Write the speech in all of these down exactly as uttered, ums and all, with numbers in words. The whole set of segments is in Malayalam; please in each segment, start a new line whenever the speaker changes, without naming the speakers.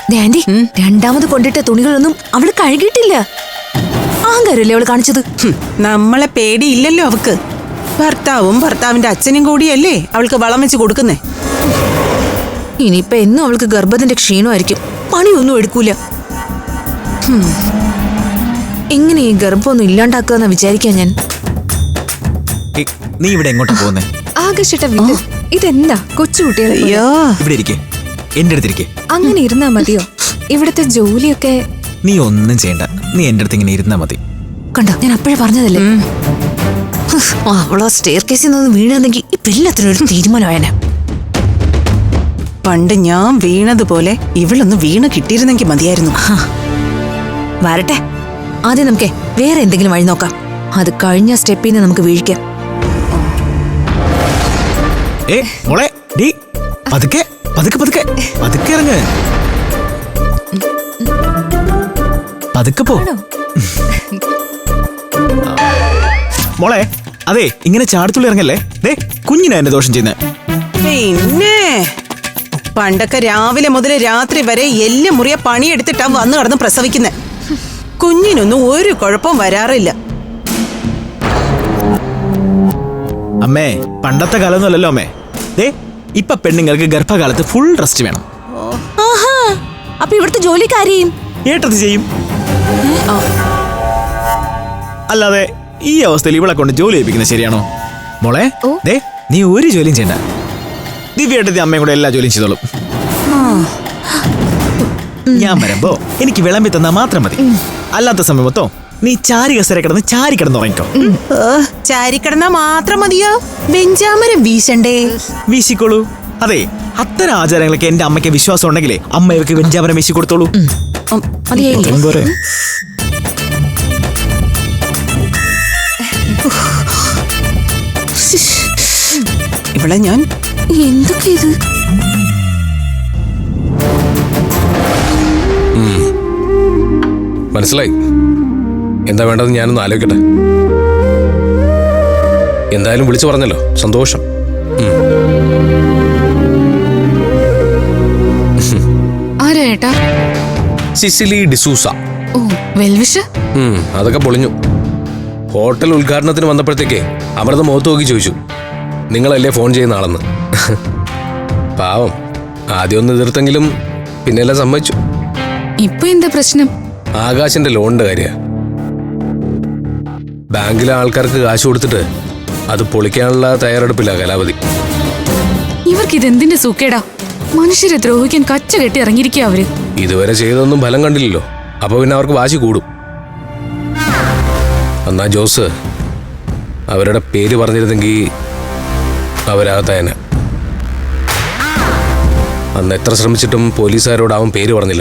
ആന്റി, രണ്ടാമത് കൊണ്ടിട്ട തുണികളൊന്നും അവള് കഴുകിയിട്ടില്ല. ആങ്കാരല്ലേ അവള് കാണിച്ചത്.
നമ്മളെ പേടിയില്ലല്ലോ അവക്ക്. ഭർത്താവും ഭർത്താവിന്റെ അച്ഛനും കൂടിയല്ലേ അവൾക്ക് വളം വെച്ച് കൊടുക്കുന്നേ.
ഇനിയിപ്പൊ എന്നും അവൾക്ക് ഗർഭത്തിന്റെ ക്ഷീണമായിരിക്കും. പണിയൊന്നും എടുക്കൂല. എങ്ങനെ ഈ ഗർഭമൊന്നും ഇല്ലാണ്ടാക്കുക വിചാരിക്കാൻ ഞാൻ.
നീ ഇവിടെ എങ്ങോട്ടാ പോകുന്നേ?
ആകർഷിട്ട വീട് ഇതെന്താ കൊച്ചുകുട്ടികളെ
ഇവിടെ ഇരിക്കേ, എന്റെ അടുത്തിരിക്കേ.
അങ്ങനെ ഇരുന്നാ മതിയോ? ഇവിടുത്തെ ജോലിയൊക്കെ.
നീ ഒന്നും ചെയ്യണ്ട, നീ എന്റെ അടുത്ത് ഇങ്ങനെ ഇരുന്നാ മതി.
കണ്ടോ, ഞാൻ അപ്പോഴേ പറഞ്ഞതല്ലേ. അവളോ സ്റ്റെയർ കേസിൽ നിന്ന് വീണിരുന്നെങ്കിൽ ഇപ്പൊ എല്ലാത്തിനും ഒരു തീരുമാനമായനെ.
പണ്ട് ഞാൻ വീണതുപോലെ ഇവളൊന്ന് വീണ് കിട്ടിയിരുന്നെങ്കിൽ മതിയായിരുന്നു.
വരട്ടെ, ആദ്യം നമുക്കേ വേറെ എന്തെങ്കിലും വഴി നോക്കാം. അത് കഴിഞ്ഞ സ്റ്റെപ്പിൽ നിന്ന് നമുക്ക് വീഴിക്കാം.
ഏ മോളെ, ഡീ പതുക്കെ പതുക്കെ പതുക്കെ പതുക്കെ ഇറങ്ങ്. പതുക്കെ പോ മോളെ. അതെ, ഇങ്ങനെ ചാടത്തുള്ളി ഇറങ്ങല്ലേ. ദേ കുഞ്ഞിനാ എന്നെ ദോഷം ചെയ്യുന്നേ.
പിന്നെ പണ്ടൊക്കെ രാവിലെ മുതൽ രാത്രി വരെ എല്ലാം മുറിയ പണിയെടുത്തിട്ടാ വന്നു കടന്ന് പ്രസവിക്കുന്നേ. കുഞ്ഞിനൊന്നും ഒരു കുഴപ്പം വരാറില്ല.
അമ്മേ, പണ്ടത്തെ കാലമൊന്നുമല്ലല്ലോ അമ്മേ. ദേ ഇപ്പൊ പെണ്ണുങ്ങൾക്ക് ഗർഭകാലത്ത് ഫുൾ റെസ്റ്റ് വേണം.
അപ്പൊ ഇവിടുത്തെ ജോലിക്കാരെയും
ഏട്ടത് ചെയ്യും. അല്ലാതെ ഈ അവസ്ഥയിൽ ഇവളെ കൊണ്ട് ജോലി ചെയ്യിപ്പിക്കുന്നത് ശരിയാണോ മോളെ? ദേ നീ ഒരു ജോലിയും ചെയ്യണ്ട. ദിവ്യേട്ടത്തി അമ്മയും കൂടെ എല്ലാ ജോലിയും ചെയ്തോളും. ഞാൻ വരുമ്പോ എനിക്ക് വിളമ്പി തന്നാ മാത്രം മതി. അല്ലാത്ത സമയം മൊത്തം നീ ചാരി കസര കിടന്ന് ചാരി കിടന്ന് ഉറങ്ങിക്കോ.
ചാരിക്കിടന്നാ മാത്രം മതിയോ? വെഞ്ചാമരം വീശണ്ടേ?
വീശിക്കോളൂ. അതെ, അത്തരം ആചാരങ്ങളൊക്കെ എന്റെ അമ്മയ്ക്ക് വിശ്വാസം ഉണ്ടെങ്കിലേ അമ്മ ഇവർക്ക് വെഞ്ചാമരം വീശി കൊടുത്തോളൂ. പോരെ.
ഇവിടെ ഞാൻ
എന്തൊക്കെ ഇത്?
മനസ്സിലായി. എന്താ വേണ്ടത് ഞാനൊന്ന് ആലോചിക്കട്ടെ. എന്തായാലും വിളിച്ചു പറഞ്ഞല്ലോ, സന്തോഷം.
ആരാ ഏട്ടാ?
സിസിലി ഡിസൂസ.
ഓ, വെൽവിഷ്.
അതൊക്കെ പൊളിഞ്ഞു. ഹോട്ടൽ ഉദ്ഘാടനത്തിന് വന്നപ്പോഴത്തേക്കേ അമൃത മുഖത്ത് നോക്കി ചോദിച്ചു, നിങ്ങളല്ലേ ഫോൺ ചെയ്യുന്ന ആളെന്ന്. പാവം, ആദ്യം ഒന്ന് എതിർത്തെങ്കിലും പിന്നെല്ലാം സമ്മതിച്ചു.
ഇപ്പൊ എന്താ പ്രശ്നം?
ആകാശിന്റെ ലോണിന്റെ കാര്യ. ബാങ്കിലെ ആൾക്കാർക്ക് കാശ് കൊടുത്തിട്ട് അത് പൊളിക്കാനുള്ള തയ്യാറെടുപ്പില്ല കലാവധി.
ഇവർക്ക് ഇതെന്തിന്റെ സൂക്കേടാ? മനുഷ്യരെ ദ്രോഹിക്കാൻ കച്ച കെട്ടി ഇറങ്ങിയിരിക്കുക അവര്.
ഇതുവരെ ചെയ്തൊന്നും ഫലം കണ്ടില്ലല്ലോ, അപ്പൊ പിന്നെ അവർക്ക് വാശി കൂടും. എന്നാ ജോസ് അവരുടെ പേര് പറഞ്ഞിരുന്നെങ്കിൽ അവരാകത്തായനെ. അന്ന് എത്ര ശ്രമിച്ചിട്ടും പോലീസുകാരോട് അവൻ പേര് പറഞ്ഞില്ല.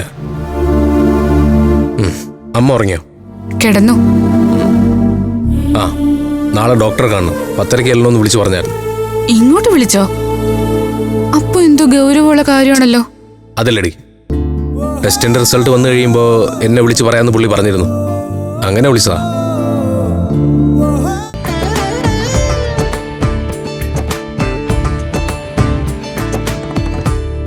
അമ്മ ഉറങ്ങിയോ?
കിടന്നു.
ആ, നാളെ ഡോക്ടറെ കാണണം. പത്തരയ്ക്ക് എല്ലാം വിളിച്ചു പറഞ്ഞായിരുന്നു.
ഇങ്ങോട്ട് വിളിച്ചോ? അപ്പൊ എന്തോ ഗൗരവമുള്ള കാര്യമാണല്ലോ.
അതല്ലടി, ടെസ്റ്റിന്റെ റിസൾട്ട് വന്നു കഴിയുമ്പോ എന്നെ വിളിച്ചു പറയാന്ന് പുള്ളി പറഞ്ഞിരുന്നു. അങ്ങനെ വിളിച്ചതാ.